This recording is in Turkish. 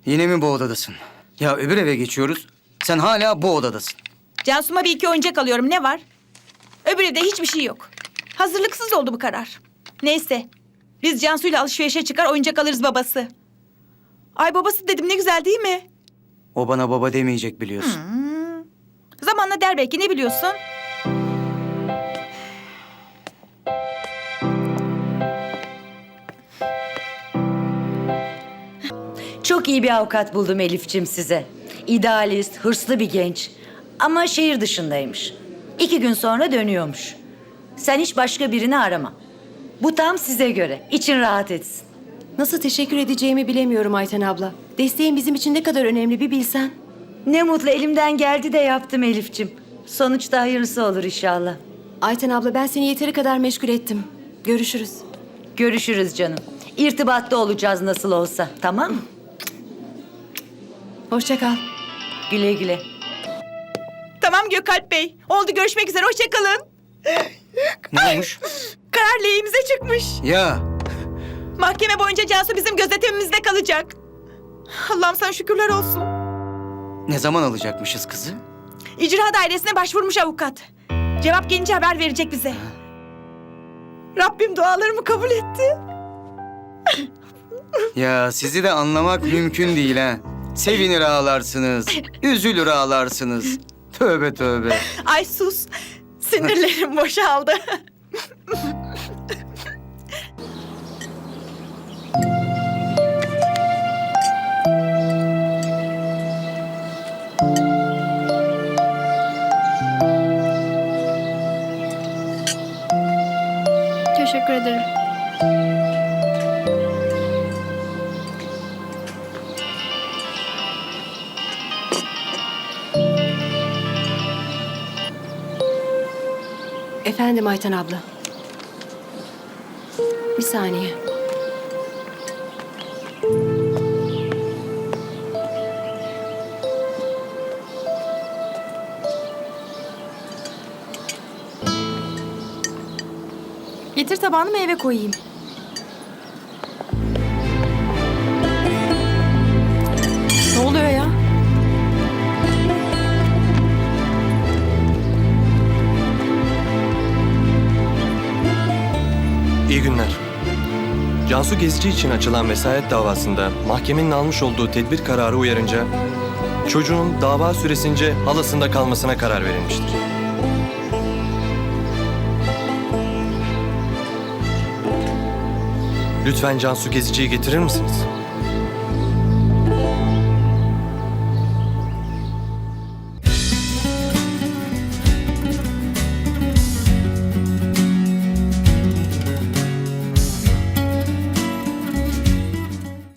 Yine mi bu odadasın? Ya öbür eve geçiyoruz. Sen hala bu odadasın. Cansu'ma bir iki oyuncak alıyorum. Ne var? Öbür evde hiçbir şey yok. Hazırlıksız oldu bu karar. Neyse. Biz Cansu'yla alışverişe çıkar oyuncak alırız babası. Ay babası dedim ne güzel değil mi? O bana baba demeyecek biliyorsun. Zamanla der belki ne biliyorsun? Çok iyi bir avukat buldum Elif'cim size. İdealist, hırslı bir genç. Ama şehir dışındaymış. 2 gün sonra dönüyormuş. Sen hiç başka birini arama. Bu tam size göre. İçin rahat etsin. Nasıl teşekkür edeceğimi bilemiyorum Ayten abla. Desteğin bizim için ne kadar önemli bir bilsen. Ne mutlu elimden geldi de yaptım Elif'cim. Sonuçta hayırlısı olur inşallah. Ayten abla ben seni yeteri kadar meşgul ettim. Görüşürüz. Görüşürüz canım. İrtibatta olacağız nasıl olsa. Tamam mı? Hoşça kal. Güle güle. Tamam Gökalp Bey. Oldu görüşmek üzere. Hoşça kalın. Ne olmuş? Karar lehimize çıkmış. Ya Mahkeme boyunca Cansu bizim gözetimimizde kalacak. Allah'ım sana şükürler olsun. ne zaman alacakmışız kızı? İcra dairesine başvurmuş avukat. Cevap gelince haber verecek bize. Rabbim dualarımı kabul etti. Ya sizi de anlamak mümkün değil ha. Sevinir ağlarsınız, üzülür ağlarsınız. Tövbe tövbe. Ay sus. Sinirlerim boşaldı. Teşekkür ederim. Efendim Ayten abla. Bir saniye. Getir tabağını meyve koyayım. Ne oluyor ya? İyi günler. Cansu Gezici için açılan vesayet davasında mahkemenin almış olduğu tedbir kararı uyarınca çocuğun dava süresince halasında kalmasına karar verilmiştir. Lütfen Cansu Gezici'yi getirir misiniz?